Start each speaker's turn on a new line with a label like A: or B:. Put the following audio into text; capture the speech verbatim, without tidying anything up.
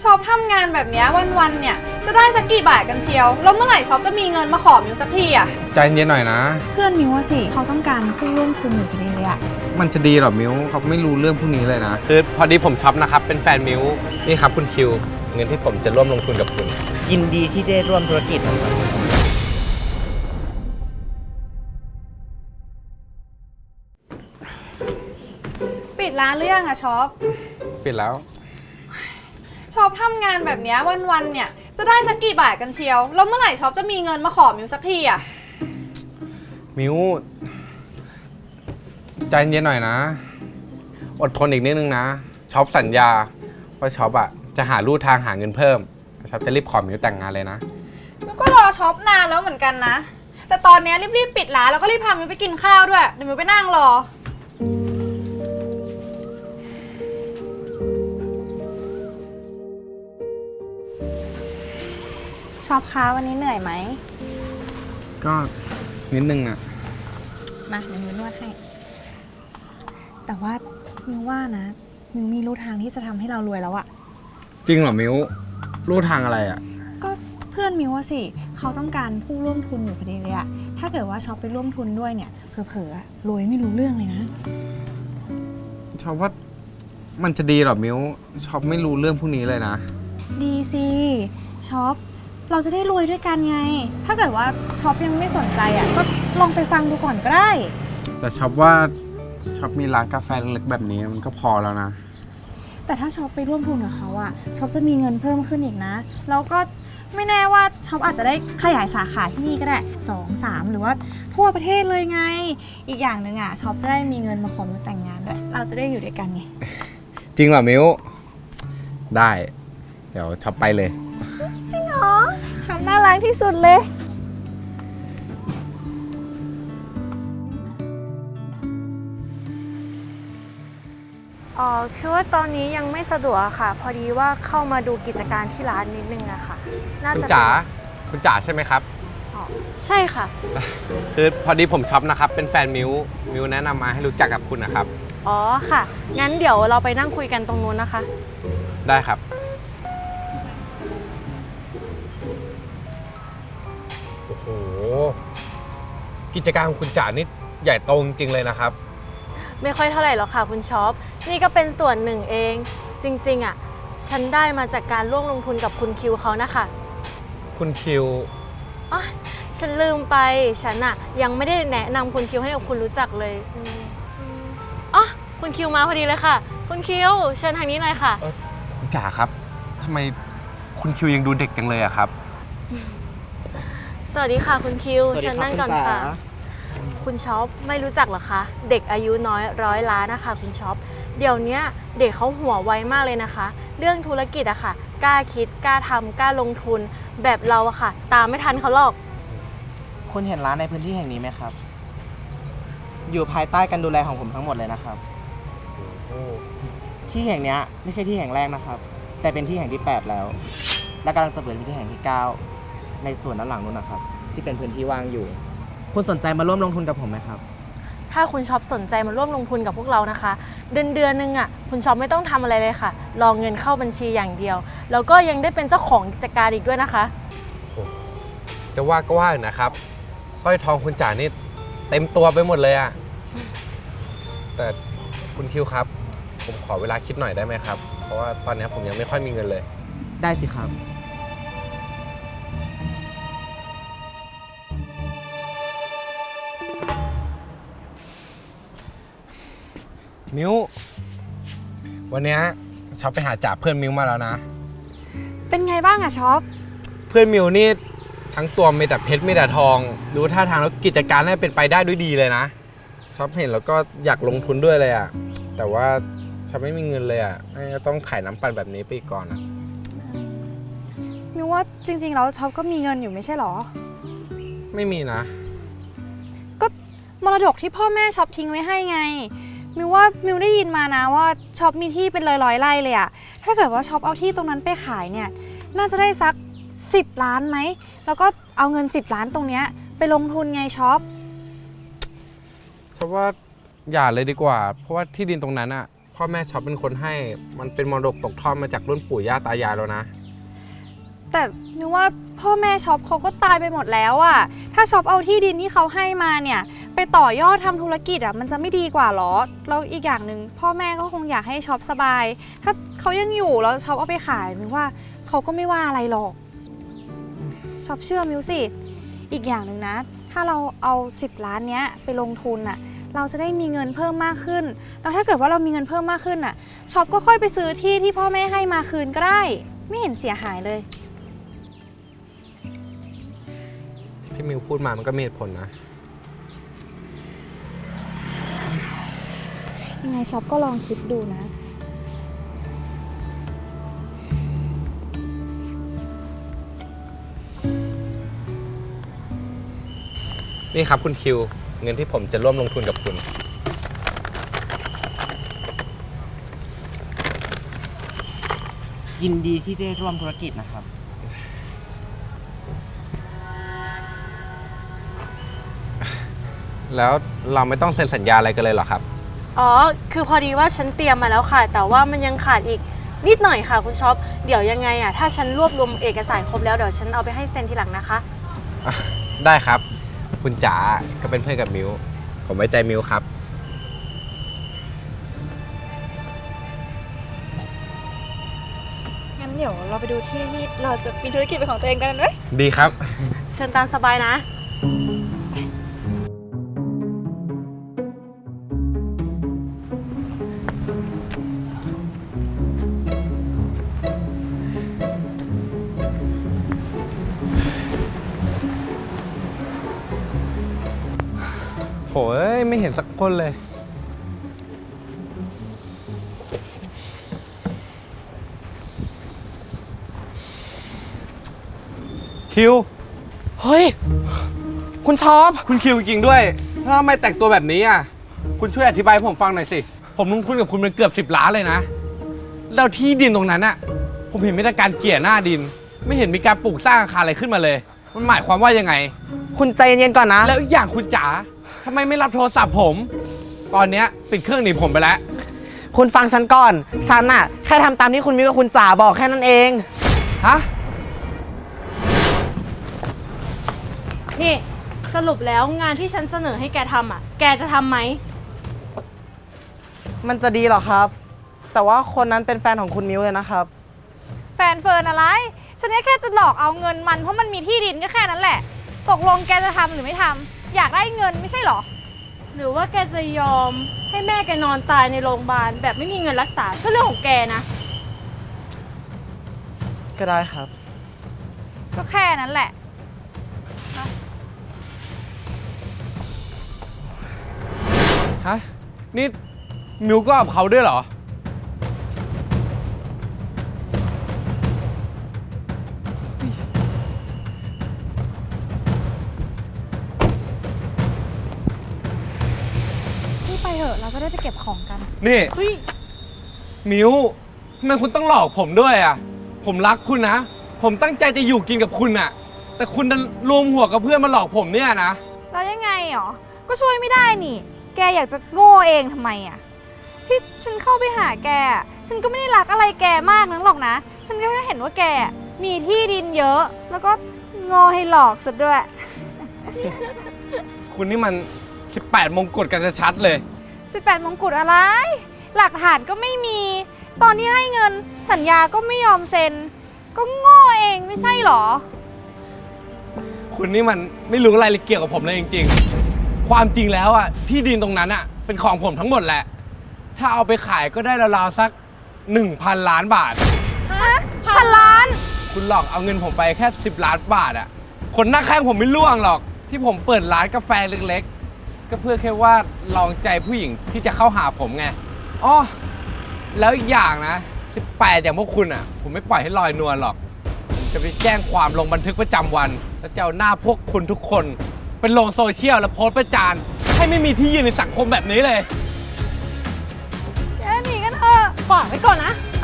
A: ช็อปทำงานแบบนี้วันๆเนี่ยจะได้สักกี่บาทกันเชียวแล้วเมื่อไหร่ช็อปจะมีเงินมาขอมิวสักทีอ่ะ
B: ใจเย็นหน่อยนะ
A: เพื่อนมิวสิเขาต้องการผู้ร่วมทุนอยู่พอดีเลยอ่ะ
B: มันจะดีหรอมิวเขาไม่รู้เรื่องพวกนี้เลยนะคือพอดีผมช็อปนะครับเป็นแฟนมิวนี่ครับคุณคิวเงินที่ผมจะร่วมลงทุนกับคุณ
C: ยินดีที่ได้ร่วมธุรกิจนะครับ
A: ปิดร้านหรือยังอะช็อป
B: ปิดแล้ว
A: ช็อปทำงานแบบนี้วันๆเนี่ยจะได้สักกี่บาทกันเชียวแล้วเมื่อไหร่ช็อปจะมีเงินมาขอมิวสักทีอะ
B: มิวใจเย็นหน่อยนะอดทนอีกนิดนึงนะช็อปสัญญาว่าช็อปอะจะหาลู่ทางหาเงินเพิ่มช็อปจะรีบขอมิวแต่งงานเลยนะ
A: มิวก็รอช็อปนานแล้วเหมือนกันนะแต่ตอนนี้รีบๆปิดร้านแล้วก็รีบพามิวไปกินข้าวด้วยเดี๋ยวมิวไปนั่งรอช็อปคะวันนี้เหนื่อยไหม
B: ก็นิดนึงอะ
A: มาเดี๋ยวมิวนวดให้แต่ว่ามิวว่านะมิวมีลู่ทางที่จะทำให้เรารวยแล้วอะ
B: จริงเหรอมิวลู่ทางอะไรอะ
A: ก็เพื่อนมิวว่าสิเขาต้องการผู้ร่วมทุนอยู่พอดีเลยอะถ้าเกิดว่าช็อปไปร่วมทุนด้วยเนี่ยเผลอๆรวยไม่รู้เรื่องเลยนะ
B: ช็อปว่ามันจะดีเหรอมิวช็อปไม่รู้เรื่องพวกนี้เลยนะ
A: ดีสิช็อปเราจะได้รวยด้วยกันไงถ้าเกิดว่าช็อปยังไม่สนใจอ่ะก็ลองไปฟังดูก่อนก็ได้
B: แต่ช็อปว่าช็อปมีร้านกาแฟเล็กๆแบบนี้มันก็พอแล้วนะ
A: แต่ถ้าช็อปไปร่วมทุนกับเขาอ่ะช็อปจะมีเงินเพิ่มขึ้นอีกนะแล้วก็ไม่แน่ว่าช็อปอาจจะได้ขยายสาขาที่นี่ก็ได้สองสามหรือว่าทั่วประเทศเลยไงอีกอย่างหนึ่งอ่ะช็อปจะได้มีเงินมาขอมิวแต่งงานด้วยเราจะได้อยู่ด้วยกันไง
B: จริงเหรอมิวได้เดี๋ยวช็อปไปเลย
A: จริงเหรอช็อปน่ารักที่สุดเลย
D: อ๋อคือว่าตอนนี้ยังไม่สะดวกค่ะพอดีว่าเข้ามาดูกิจการที่ร้านนิดนึงอะค่ะ
B: น่าจะคุณจ๋าคุณจ๋าใช่ไหมครับ
D: อ๋อใช่ค่ะ
B: คือพอดีผมช็อปนะครับเป็นแฟนมิวมิวแนะนำมาให้รู้จักกับคุณนะครับ
D: อ๋อค่ะงั้นเดี๋ยวเราไปนั่งคุยกันตรงนู้นนะคะ
B: ได้ครับโอ้โหกิจการของคุณจ๋านี่ใหญ่โตจริงๆเลยนะครับ
D: ไม่ค่อยเท่าไหร่หรอกค่ะคุณช็อปนี่ก็เป็นส่วนหนึ่งเองจริงๆอ่ะฉันได้มาจากการร่วมลงทุนกับคุณคิวเขานะคะ
B: คุณคิว
D: อ๋อฉันลืมไปฉันอ่ะยังไม่ได้แนะนำคุณคิวให้กับคุณรู้จักเลยอ๋อคุณคิวมาพอดีเลยค่ะคุณคิวเชิญทางนี้หน่อยค่ะ
B: คุณจ๋าครับทำไมคุณคิวยังดูเด็กจังเลยอะครับ
D: สวัสดีค่ะคุณคิวเชิญนั่งก่อนค่ะคุณช็อปไม่รู้จักหรอคะเด็กอายุน้อยร้อยล้านนะคะคุณช็อปเดี๋ยวนี้เด็กเขาหัวไวมากเลยนะคะเรื่องธุรกิจอะค่ะกล้าคิดกล้าทำกล้าลงทุนแบบเราอะค่ะตามไม่ทันเขาหรอก
C: คุณเห็นร้านในพื้นที่แห่งนี้ไหมครับอยู่ภายใต้การดูแลของผมทั้งหมดเลยนะครับที่แห่งนี้ไม่ใช่ที่แห่งแรกนะครับแต่เป็นที่แห่งที่แปดแล้วและกำลังจะเปิดเป็นที่แห่งที่เก้าในส่วนด้านหลังนู้นนะครับที่เป็นพื้นที่ว่างอยู่คุณสนใจมาร่วมลงทุนกับผมไหมครับ
D: ถ้าคุณช็อปสนใจมาร่วมลงทุนกับพวกเรานะคะเดือนเดือนนึงอ่ะคุณช็อปไม่ต้องทำอะไรเลยค่ะรอเงินเข้าบัญชีอย่างเดียวแล้วก็ยังได้เป็นเจ้าของกิจการอีกด้วยนะคะ
B: จะว่าก็ว่านะครับสร้อยทองคุณจ๋านี่เต็มตัวไปหมดเลยอ่ะแต่คุณคิวครับผมขอเวลาคิดหน่อยได้ไหมครับเพราะว่าตอนนี้ผมยังไม่ค่อยมีเงินเลย
C: ได้สิครับ
B: มิววันนี้ช็อปไปหาจ่าเพื่อนมิวมาแล้วนะ
A: เป็นไงบ้างอะช็อป
B: เพื่อนมิวนี่ทั้งตัวมีแต่เพชรมีแต่ทองดูท่าทางแล้วกิจการน่าเป็นไปได้ด้วยดีเลยนะช็อปเห็นแล้วก็อยากลงทุนด้วยเลยอะแต่ว่าช็อปไม่มีเงินเลยอะต้องขายน้ำปั่นแบบนี้ไปก่อนอะ
A: มิวว่าจริงๆแล้วช็อปก็มีเงินอยู่ไม่ใช่หรอ
B: ไม่มีนะ
A: ก็มรดกที่พ่อแม่ช็อปทิ้งไว้ให้ไงมิวว่ามิวได้ยินมานะว่าช็อปมีที่เป็นร้อยๆไร่เลยอะถ้าเกิดว่าช็อปเอาที่ตรงนั้นไปขายเนี่ยน่าจะได้สักสิบล้านไหมแล้วก็เอาเงินสิบล้านตรงเนี้ยไปลงทุนไงช็อป
B: ช็อปว่าอย่าเลยดีกว่าเพราะว่าที่ดินตรงนั้นอะพ่อแม่ช็อปเป็นคนให้ มันเป็นมรดกตกทอดมาจากรุ่นปู่ย่าตายายแล้วนะ
A: แต่มิวว่าพ่อแม่ช็อปเขาก็ตายไปหมดแล้วอะถ้าช็อปเอาที่ดินที่เขาให้มาเนี่ยไปต่อยอดทำธุรกิจอะมันจะไม่ดีกว่าหรอแล้วอีกอย่างหนึ่งพ่อแม่ก็คงอยากให้ช็อปสบาย ถ้าเขายังอยู่แล้วช็อปเอาไปขายมิวว่าเขาก็ไม่ว่าอะไรหรอกช็อปเชื่อมิวสิอีกอย่างหนึ่งนะถ้าเราเอาสิบล้านเนี้ยไปลงทุนอะเราจะได้มีเงินเพิ่มมากขึ้นแล้วถ้าเกิดว่าเรามีเงินเพิ่มมากขึ้นอะช็อปก็ค่อยไปซื้อที่ที่พ่อแม่ให้มาคืนก็ได้ไม่เห็นเสียหายเลย
B: ที่มิวพูดมามันก็มีเหตุผลนะ
A: ยังไงช็อปก็ลองคิดดูนะ
B: นี่ครับคุณคิว เงินที่ผมจะร่วมลงทุนกับคุณ
C: ยินดีที่ได้ร่วมธุรกิจนะครับ
B: แล้วเราไม่ต้องเซ็นสัญญาอะไรกันเลยเหรอครับ
D: อ๋อ คือพอดีว่าฉันเตรียมมาแล้วค่ะ แต่ว่ามันยังขาดอีกนิดหน่อยค่ะคุณช็อป เดี๋ยวยังไงอ่ะ ถ้าฉันรวบรวมเอกสารครบแล้วเดี๋ยวฉันเอาไปให้เซ็นทีหลังนะคะ
B: ได้ครับ คุณจ๋าก็เป็นเพื่อนกับมิว ผมไว้ใจมิวครับ
A: งั้นเดี๋ยวเราไปดูที่ที่เราจะมีธุรกิจเป็นของตัวเองกันไหม
B: ดีครับ
D: เชิญตามสบายนะ
B: โถเอ้ยไม่เห็นสักคนเลย คิว
C: เฮ้ย คุณชอบ
B: คุณคิวจริงด้วยแล้วทำไมแต่งตัวแบบนี้อ่ะ คุณช่วยอธิบายให้ผมฟังหน่อยสิ ผมลงทุนกับคุณเป็นเกือบสิบล้านเลยนะ แล้วที่ดินตรงนั้นอ่ะ ผมเห็นมีแต่การเกลี่ยหน้าดิน ไม่เห็นมีการปลูกสร้างอาคารอะไรขึ้นมาเลย มันหมายความว่ายังไง
C: คุณใจเย็นๆก่อนนะ
B: แล้วอีกอย่างคุณจ๋าทำไมไม่รับโทรศัพท์ผม ตอนเนี้ยปิดเครื่องหนีผมไปแล้ว
C: คุณฟังฉันก่อน ฉันน่ะ แค่ทำตามที่คุณมิวกับคุณจ๋าบอกแค่นั้นเอง
B: ฮะ
D: นี่สรุปแล้วงานที่ฉันเสนอให้แกทำอ่ะ แกจะทำไหม
C: มันจะดีเหรอครับ แต่ว่าคนนั้นเป็นแฟนของคุณมิวเลยนะครับ
A: แฟนเฟิร์นอะไร ฉันแค่จะหลอกเอาเงินมันเพราะมันมีที่ดินก็แค่นั้นแหละ ตกลงแกจะทำหรือไม่ทำอยากได้เงินไม่ใช่เหรอ
D: หรือว่าแกจะยอมให้แม่แกนอนตายในโรงพยาบาลแบบไม่มีเงินรักษาก็เรื่องของแกนะ
C: ก็ได้ครับ
A: ก็แค่นั้นแหละ
B: ฮะ นี่มิวก็กับเขาด้วยเหรอ
A: ที่ไปเถอะเราจะได้ไปเก็บของกัน
B: นี่
D: เฮ้ย
B: มิวทำไมคุณต้องหลอกผมด้วยอ่ะ ผมรักคุณนะ ผมตั้งใจจะอยู่กินกับคุณอ่ะ แต่คุณดันรวมหัวกับเพื่อนมาหลอกผมเนี่ยนะ
A: แล้วยังไงหรอ ก็ช่วยไม่ได้นี่ แกอยากจะโง่เองทำไมอ่ะ ที่ฉันเข้าไปหาแกอะฉันก็ไม่ได้รักอะไรแกมากนักหรอกนะ ฉันก็แค่เห็นว่าแกมีที่ดินเยอะ แล้วก็โง่ให้หลอกซะด้วย
B: คุณนี่มันสิบแปดมงกุฎกันชัดๆเลย
A: สิบแปดมงกุฎอะไร หลักฐานก็ไม่มี ตอนที่ให้เงินสัญญาก็ไม่ยอมเซ็น ก็โง่เองไม่ใช่หรอ
B: คุณนี่มันไม่รู้อะไรเลยเกี่ยวกับผมเลยจริงๆ ความจริงแล้วอ่ะที่ดินตรงนั้นอ่ะเป็นของผมทั้งหมดแหละ ถ้าเอาไปขายก็ได้ราวๆสัก หนึ่งพัน ล้านบาท
A: ฮะพันล้าน
B: คุณหลอกเอาเงินผมไปแค่สิบล้านบาทอ่ะ คนหน้าข้างผมไม่ล่วงหรอก ที่ผมเปิดร้านกาแฟเล็กๆ ก็เพื่อแค่ว่าลองใจผู้หญิงที่จะเข้าหาผมไงอ้อแล้วอีกอย่างนะสิบแปดอย่างพวกคุณอ่ะ ผมไม่ปล่อยให้ลอยนวลหรอก จะไปแจ้งความลงบันทึกประจำวัน แล้วจะเอาหน้าพวกคุณทุกคนเป็นลงโซเชียลแล้วโพสต์ประจานให้ไม่มีที่ยืนในสังคมแบบนี้เลย
A: แกหนีกันเถอะ
D: ฝากไว้ก่อนนะ
A: ไ